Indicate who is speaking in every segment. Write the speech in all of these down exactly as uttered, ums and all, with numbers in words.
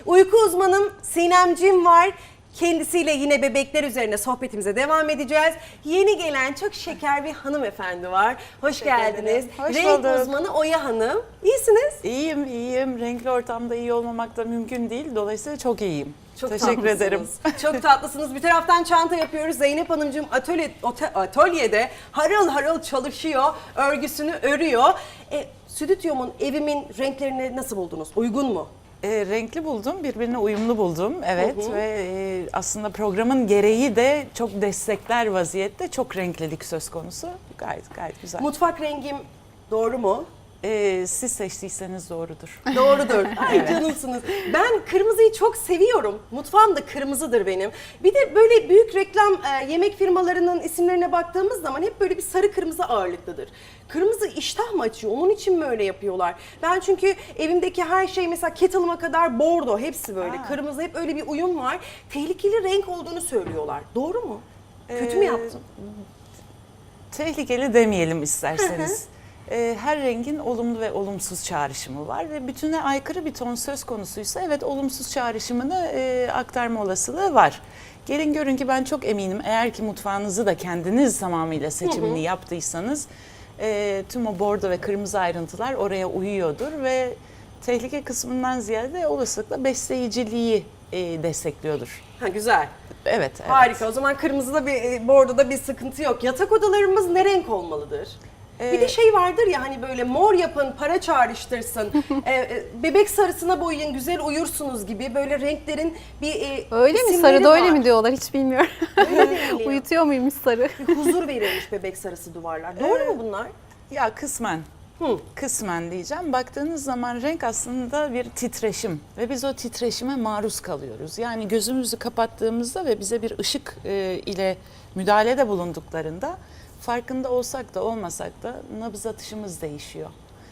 Speaker 1: Uyku uzmanım Sinemcim var. Kendisiyle yine bebekler üzerine sohbetimize devam edeceğiz. Yeni gelen çok şeker bir hanımefendi var. Hoş geldiniz.
Speaker 2: Hoş
Speaker 1: Renk
Speaker 2: bulduk.
Speaker 1: uzmanı Oya Hanım. İyisiniz.
Speaker 2: İyiyim, iyiyim. Renkli ortamda iyi olmamak da mümkün değil. Dolayısıyla çok iyiyim.
Speaker 1: Çok
Speaker 2: Teşekkür
Speaker 1: tatlısınız.
Speaker 2: ederim.
Speaker 1: Çok tatlısınız. Bir taraftan çanta yapıyoruz. Zeynep Hanımcığım atölye, ote- atölyede harıl harıl çalışıyor. Örgüsünü örüyor. E, stüdyomun, evimin renklerini nasıl buldunuz? Uygun mu?
Speaker 2: E, renkli buldum, birbirine uyumlu buldum. Evet
Speaker 1: Hı hı.
Speaker 2: ve e, aslında programın gereği de çok destekler vaziyette. Çok renklilik söz konusu. Gayet gayet güzel.
Speaker 1: Mutfak rengim doğru mu?
Speaker 2: E, siz seçtiyseniz doğrudur.
Speaker 1: Doğrudur. Ay canımsınız. Ben kırmızıyı çok seviyorum. Mutfağım da kırmızıdır benim. Bir de böyle büyük reklam e, yemek firmalarının isimlerine baktığımız zaman hep böyle bir sarı kırmızı ağırlıklıdır. Kırmızı iştah mı açıyor? Onun için mi öyle yapıyorlar? Ben çünkü evimdeki her şey mesela kettle'ıma kadar bordo hepsi böyle.
Speaker 2: Aa.
Speaker 1: Kırmızı hep öyle bir uyum var. Tehlikeli renk olduğunu söylüyorlar. Doğru mu? Kötü mü
Speaker 2: Ee,
Speaker 1: yaptım?
Speaker 2: Tehlikeli demeyelim isterseniz. Ee, Her rengin olumlu ve olumsuz çağrışımı var ve bütüne aykırı bir ton söz konusuysa evet olumsuz çağrışımını e, aktarma olasılığı var. Gelin görün ki ben çok eminim eğer ki mutfağınızı da kendiniz tamamıyla seçimini yaptıysanız e, tüm o bordo ve kırmızı ayrıntılar oraya uyuyordur ve tehlike kısmından ziyade olasılıkla besleyiciliği e, destekliyordur.
Speaker 1: Ha, güzel.
Speaker 2: Evet, evet.
Speaker 1: Harika. O zaman kırmızıda bir e, bordoda bir sıkıntı yok. Yatak odalarımız ne renk olmalıdır? Bir de
Speaker 2: Ee,
Speaker 1: şey vardır ya hani böyle mor yapın, para çağrıştırsın, e, e, bebek sarısına boyayın, güzel uyursunuz gibi böyle renklerin bir e,
Speaker 3: Öyle mi?
Speaker 1: isimleri
Speaker 3: Sarıda öyle
Speaker 1: var.
Speaker 3: mi diyorlar hiç bilmiyorum.
Speaker 1: Öyle deniliyor.
Speaker 3: Uyutuyor muymuş sarı?
Speaker 1: Bir huzur verilmiş bebek sarısı duvarlar. Doğru mu bunlar?
Speaker 2: Ya kısmen.
Speaker 1: Hı.
Speaker 2: Kısmen diyeceğim. Baktığınız zaman renk aslında bir titreşim ve biz o titreşime maruz kalıyoruz. Yani gözümüzü kapattığımızda ve bize bir ışık e, ile müdahalede bulunduklarında farkında olsak da olmasak da nabız atışımız değişiyor.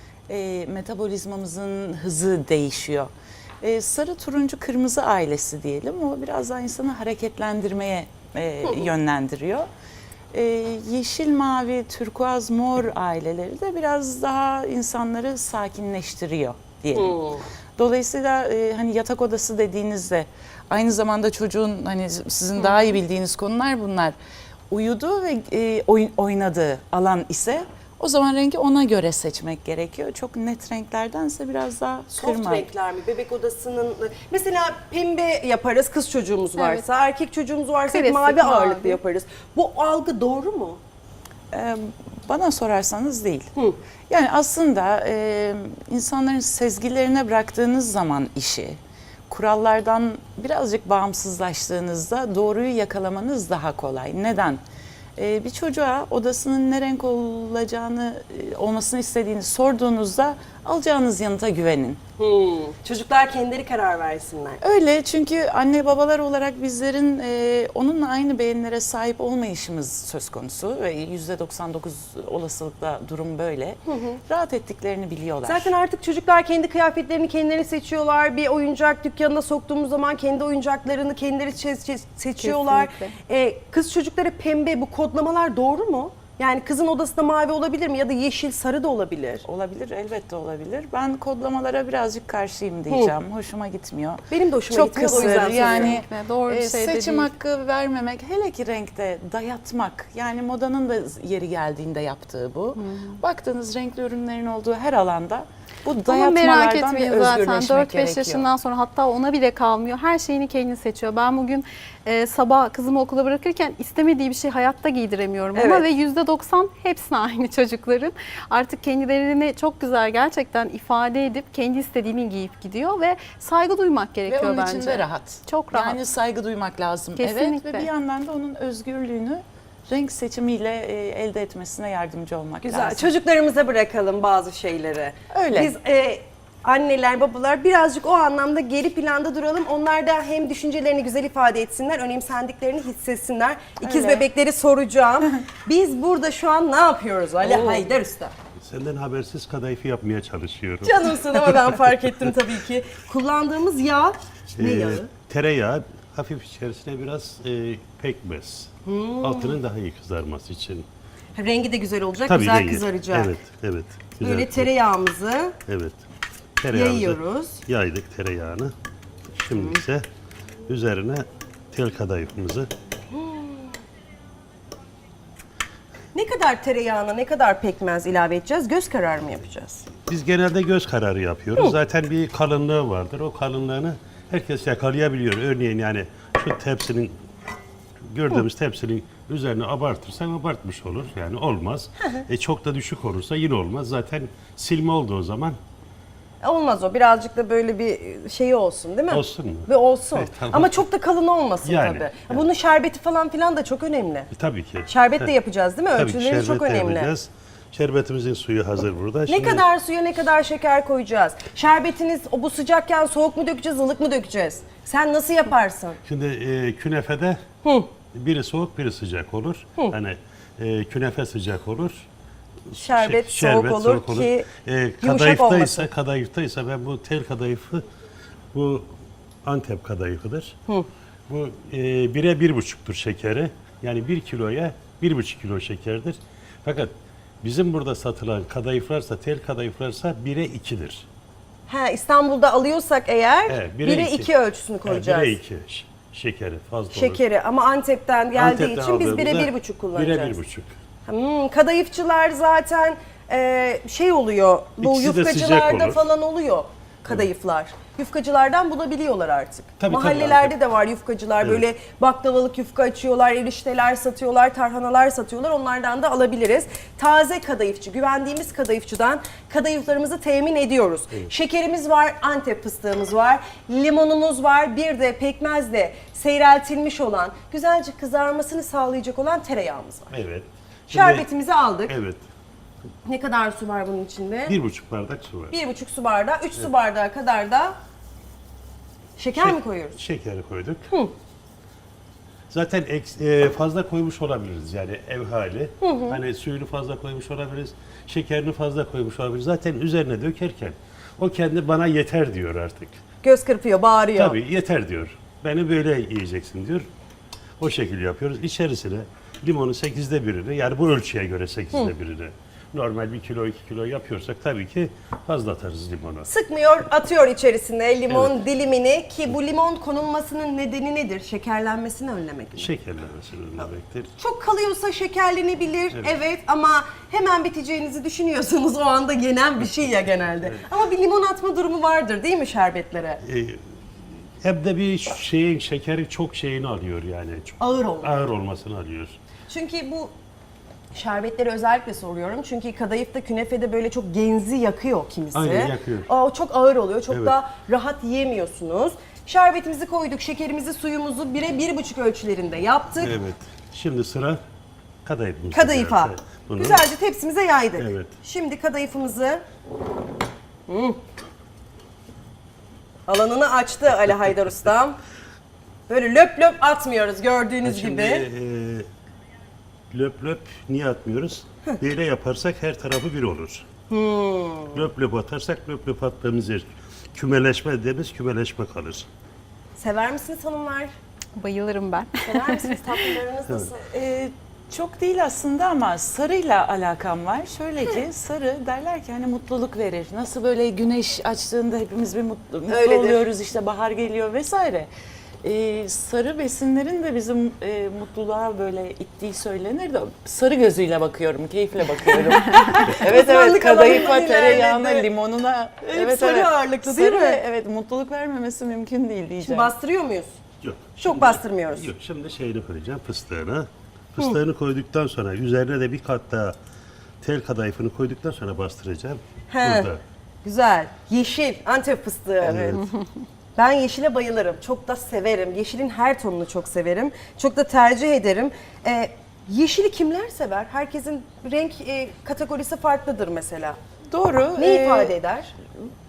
Speaker 2: E, metabolizmamızın hızı değişiyor. E, sarı, turuncu, kırmızı ailesi diyelim. O biraz daha insanı hareketlendirmeye e, yönlendiriyor. Ee, yeşil, mavi, turkuaz, mor aileleri de biraz daha insanları sakinleştiriyor diyelim.
Speaker 1: Hmm.
Speaker 2: Dolayısıyla e, hani yatak odası dediğinizde aynı zamanda çocuğun hani sizin daha iyi bildiğiniz konular bunlar. Uyuduğu ve e, oy- oynadığı alan ise o zaman rengi ona göre seçmek gerekiyor. Çok net renklerdense biraz daha
Speaker 1: Soft
Speaker 2: kırma.
Speaker 1: renkler mi? Bebek odasının mesela pembe yaparız kız çocuğumuz varsa, erkek çocuğumuz varsa
Speaker 3: Klasik
Speaker 1: mavi ağırlıklı
Speaker 3: mavi.
Speaker 1: yaparız. Bu algı doğru mu?
Speaker 2: Ee, Bana sorarsanız değil.
Speaker 1: Hı.
Speaker 2: Yani aslında e, insanların sezgilerine bıraktığınız zaman işi, kurallardan birazcık bağımsızlaştığınızda doğruyu yakalamanız daha kolay. Neden? Ee, bir çocuğa odasının ne renk olacağını, e, olmasını istediğini sorduğunuzda alacağınız yanıta güvenin.
Speaker 1: Hmm. Çocuklar kendileri karar versinler.
Speaker 2: Öyle çünkü anne babalar olarak bizlerin e, onunla aynı beğenilere sahip olmayışımız söz konusu ve yüzde doksan dokuz olasılıkla durum böyle. Rahat ettiklerini biliyorlar.
Speaker 1: Zaten artık çocuklar kendi kıyafetlerini kendileri seçiyorlar. Bir oyuncak dükkanına soktuğumuz zaman kendi oyuncaklarını kendileri çe- çe- seçiyorlar.
Speaker 3: Kesinlikle.
Speaker 1: Ee, kız çocukları pembe, bu kodlamalar doğru mu? Yani kızın odasında mavi olabilir mi ya da yeşil, sarı da olabilir.
Speaker 2: Olabilir, elbette olabilir. Ben kodlamalara birazcık karşıyım diyeceğim. Hoşuma gitmiyor.
Speaker 1: Benim de hoşuma
Speaker 2: Çok
Speaker 1: gitmiyor, o
Speaker 2: kısır
Speaker 1: yüzden
Speaker 2: yani
Speaker 3: Kesinlikle, doğru bir
Speaker 2: e,
Speaker 3: şey de
Speaker 2: seçim
Speaker 3: değil.
Speaker 2: hakkı vermemek, hele ki renkte dayatmak. Yani modanın da yeri geldiğinde yaptığı bu. Baktığınız renkli ürünlerin olduğu her alanda bu
Speaker 3: Ama merak
Speaker 2: dayatmalardan bir
Speaker 3: etmeyin zaten
Speaker 2: özgürleşmek
Speaker 3: dört beş
Speaker 2: gerekiyor.
Speaker 3: yaşından sonra hatta ona bile kalmıyor. Her şeyini kendi seçiyor. Ben bugün e, sabah kızımı okula bırakırken istemediği bir şey hayatta giydiremiyorum. Ama
Speaker 1: Evet.
Speaker 3: ve yüzde doksan hepsine aynı çocukların. Artık kendilerini çok güzel gerçekten ifade edip kendi istediğini giyip gidiyor ve saygı duymak
Speaker 2: Ve
Speaker 3: gerekiyor
Speaker 2: onun
Speaker 3: bence.
Speaker 2: için de rahat.
Speaker 3: Çok rahat.
Speaker 2: Yani saygı duymak lazım.
Speaker 3: Kesinlikle.
Speaker 2: Evet ve bir yandan da onun özgürlüğünü renk seçimiyle e, elde etmesine yardımcı olmak
Speaker 1: Güzel.
Speaker 2: lazım.
Speaker 1: Çocuklarımıza bırakalım bazı şeyleri.
Speaker 2: Öyle.
Speaker 1: Biz e, anneler, babalar birazcık o anlamda geri planda duralım. Onlar da hem düşüncelerini güzel ifade etsinler, önemsendiklerini hissetsinler. İkiz
Speaker 2: Öyle.
Speaker 1: bebekleri soracağım. Biz burada şu an ne yapıyoruz Ali
Speaker 2: Oo.
Speaker 1: Haydar Usta?
Speaker 4: Senden habersiz kadayıfı yapmaya çalışıyorum.
Speaker 1: Canımsın ama ben fark ettim tabii ki. Kullandığımız yağ ne
Speaker 4: Ee,
Speaker 1: yağı?
Speaker 4: Tereyağı, hafif içerisine biraz e, pekmez. Altının daha iyi kızarması için.
Speaker 1: Rengi de güzel olacak,
Speaker 4: Tabii
Speaker 1: güzel
Speaker 4: rengi.
Speaker 1: kızaracak.
Speaker 4: Evet, evet. Güzel.
Speaker 1: Böyle tereyağımızı
Speaker 4: Evet. Tereyağımızı
Speaker 1: yayıyoruz.
Speaker 4: Yaydık tereyağını. Şimdi ise üzerine tel kadayıfımızı.
Speaker 1: Ne kadar tereyağına, ne kadar pekmez ilave edeceğiz? Göz kararı mı yapacağız?
Speaker 4: Biz genelde göz kararı yapıyoruz. Zaten bir kalınlığı vardır. O kalınlığını herkes yakalayabiliyor. Örneğin yani şu tepsinin, gördüğümüz tepsinin üzerine abartırsan abartmış olur. Yani olmaz. e çok da düşük olursa yine olmaz. Zaten silme olduğu zaman
Speaker 1: Olmaz o. Birazcık da böyle bir şeyi olsun değil mi?
Speaker 4: Olsun mu?
Speaker 1: Bir olsun.
Speaker 4: Evet, tamam.
Speaker 1: Ama çok da kalın olmasın
Speaker 4: Yani,
Speaker 1: tabii.
Speaker 4: yani.
Speaker 1: Bunun şerbeti falan filan da çok önemli.
Speaker 4: e, tabii ki.
Speaker 1: Şerbet de
Speaker 4: Evet.
Speaker 1: yapacağız değil mi?
Speaker 4: Tabii ki
Speaker 1: Ölçüleri çok
Speaker 4: şerbet de
Speaker 1: önemli.
Speaker 4: yapacağız. Şerbetimizin suyu hazır burada.
Speaker 1: Ne
Speaker 4: Şimdi
Speaker 1: kadar suya ne kadar şeker koyacağız? Şerbetiniz o bu sıcakken soğuk mu dökeceğiz, ılık mı dökeceğiz? Sen nasıl yaparsın?
Speaker 4: Şimdi e, künefede biri soğuk biri sıcak olur. Hani e, künefe sıcak olur.
Speaker 1: Şerbet,
Speaker 4: Şe-
Speaker 1: soğuk, olur ki
Speaker 4: E,
Speaker 1: yumuşak
Speaker 4: kadayıfta
Speaker 1: olmasın.
Speaker 4: ise, kadayıfta ise ben bu tel kadayıfı, bu Antep kadayıfıdır. Bu e, bire bir buçuktur şekeri. Yani bir kiloya bir buçuk kilo şekerdir. Fakat bizim burada satılan kadayıflarsa, tel kadayıflarsa bire ikidir.
Speaker 1: He, İstanbul'da alıyorsak eğer
Speaker 4: Evet, bire
Speaker 1: bire
Speaker 4: iki.
Speaker 1: iki ölçüsünü koyacağız.
Speaker 4: bire iki ş- şekeri fazla olur.
Speaker 1: Şekeri ama Antep'ten geldiği
Speaker 4: Antep'ten
Speaker 1: için biz bire
Speaker 4: aldığımızda
Speaker 1: bir buçuk kullanacağız.
Speaker 4: Bire bir buçuk.
Speaker 1: Hmm, kadayıfçılar zaten e, şey oluyor, bu
Speaker 4: İkisi de sıcak
Speaker 1: yufkacılarda
Speaker 4: olur.
Speaker 1: falan oluyor kadayıflar. Yufkacılardan bulabiliyorlar artık.
Speaker 4: Tabii, tabii,
Speaker 1: Mahallelerde
Speaker 4: Antep.
Speaker 1: de var yufkacılar,
Speaker 4: Evet.
Speaker 1: böyle baklavalık yufka açıyorlar, erişteler satıyorlar, tarhanalar satıyorlar. Onlardan da alabiliriz. Taze kadayıfçı, güvendiğimiz kadayıfçıdan kadayıflarımızı temin ediyoruz. Şekerimiz var, Antep fıstığımız var, limonumuz var, bir de pekmezle seyreltilmiş olan, güzelce kızarmasını sağlayacak olan tereyağımız var.
Speaker 4: Evet. Şimdi-
Speaker 1: Şerbetimizi aldık.
Speaker 4: Evet.
Speaker 1: Ne kadar su var bunun içinde?
Speaker 4: Bir buçuk bardak su var.
Speaker 1: Bir buçuk su bardağı, üç su bardağı kadar da şeker
Speaker 4: Şek-
Speaker 1: mi koyuyoruz?
Speaker 4: Şekeri koyduk. Zaten eks- e, fazla koymuş olabiliriz yani ev hali. Hani suyunu fazla koymuş olabiliriz, şekerini fazla koymuş olabiliriz. Zaten üzerine dökerken o kendi bana yeter diyor artık.
Speaker 1: Göz kırpıyor, bağırıyor.
Speaker 4: Tabii yeter diyor. Beni böyle yiyeceksin diyor. O şekilde yapıyoruz. İçerisine limonu sekizde birini, yani bu ölçüye göre sekizde birini. Normal bir kilo iki kilo yapıyorsak tabii ki fazla atarız limonu.
Speaker 1: Sıkmıyor, atıyor içerisine limon dilimini ki bu limon konulmasının nedeni nedir? Şekerlenmesini önlemek mi?
Speaker 4: Şekerlemesini önlemektir.
Speaker 1: Çok kalıyorsa şekerlenebilir, evet. ama hemen biteceğinizi düşünüyorsunuz o anda yenen bir şey ya genelde. Ama bir limon atma durumu vardır değil mi şerbetlere?
Speaker 4: Ee, hem de bir şeyin şekeri çok şeyini alıyor yani. Çok
Speaker 1: Ağır olmalı.
Speaker 4: ağır olmasını alıyor.
Speaker 1: Çünkü bu şerbetleri özellikle soruyorum. Çünkü kadayıfta, künefede böyle çok genzi yakıyor kimisi.
Speaker 4: Aynen, yakıyor.
Speaker 1: Aa, o çok ağır oluyor. Çok
Speaker 4: Evet.
Speaker 1: da rahat yiyemiyorsunuz. Şerbetimizi koyduk, şekerimizi, suyumuzu bire bir buçuk ölçülerinde yaptık.
Speaker 4: Evet. Şimdi sıra kadayıfımız.
Speaker 1: Kadayıfa.
Speaker 4: Bunu
Speaker 1: Güzelce tepsimize yaydık.
Speaker 4: Evet.
Speaker 1: Şimdi kadayıfımızı Hmm. alanını açtı Ali Haydar Ustam. Böyle löp löp atmıyoruz gördüğünüz
Speaker 4: Şimdi
Speaker 1: gibi.
Speaker 4: e, löp löp niye atmıyoruz? Böyle yaparsak her tarafı bir olur.
Speaker 1: Hmm.
Speaker 4: Löp löp atarsak löp löp attığımız yer kümeleşme dediğimiz kümeleşme kalır.
Speaker 1: Sever misiniz hanımlar?
Speaker 3: Bayılırım ben.
Speaker 1: Sever misiniz? Tatlılarınız nasıl?
Speaker 2: Ee, çok değil aslında ama sarıyla alakam var. Şöyle ki sarı derler ki hani mutluluk verir. Nasıl böyle güneş açtığında hepimiz bir mutlu, mutlu
Speaker 1: Öyledir.
Speaker 2: oluyoruz, işte bahar geliyor vesaire. Ee, sarı besinlerin de bizim e, mutluluğa böyle ittiği söylenir de sarı gözüyle bakıyorum, keyifle bakıyorum. evet evet,
Speaker 1: Uzmanlık
Speaker 2: kadayıfa,
Speaker 1: alanından
Speaker 2: tereyağına,
Speaker 1: ilerledi.
Speaker 2: limonuna.
Speaker 1: Hep
Speaker 2: evet
Speaker 1: sarı
Speaker 2: evet.
Speaker 1: ağırlıklı değil
Speaker 2: Sarı,
Speaker 1: mi?
Speaker 2: Evet, mutluluk vermemesi mümkün değil diyeceğim.
Speaker 1: Şimdi bastırıyor muyuz?
Speaker 4: Yok.
Speaker 1: Çok bastırmıyoruz.
Speaker 4: Yok. Şimdi şeyini koyacağım, fıstığını. Fıstığını koyduktan sonra üzerine de bir kat daha tel kadayıfını koyduktan sonra bastıracağım.
Speaker 1: He.
Speaker 4: Burada.
Speaker 1: Güzel. Yeşil, Antep fıstığı.
Speaker 4: Evet.
Speaker 1: Ben yeşile bayılırım. Çok da severim. Yeşilin her tonunu çok severim. Çok da tercih ederim. Ee, yeşili kimler sever? Herkesin renk e, kategorisi farklıdır mesela.
Speaker 2: Doğru.
Speaker 1: Ne
Speaker 2: ee,
Speaker 1: ifade eder?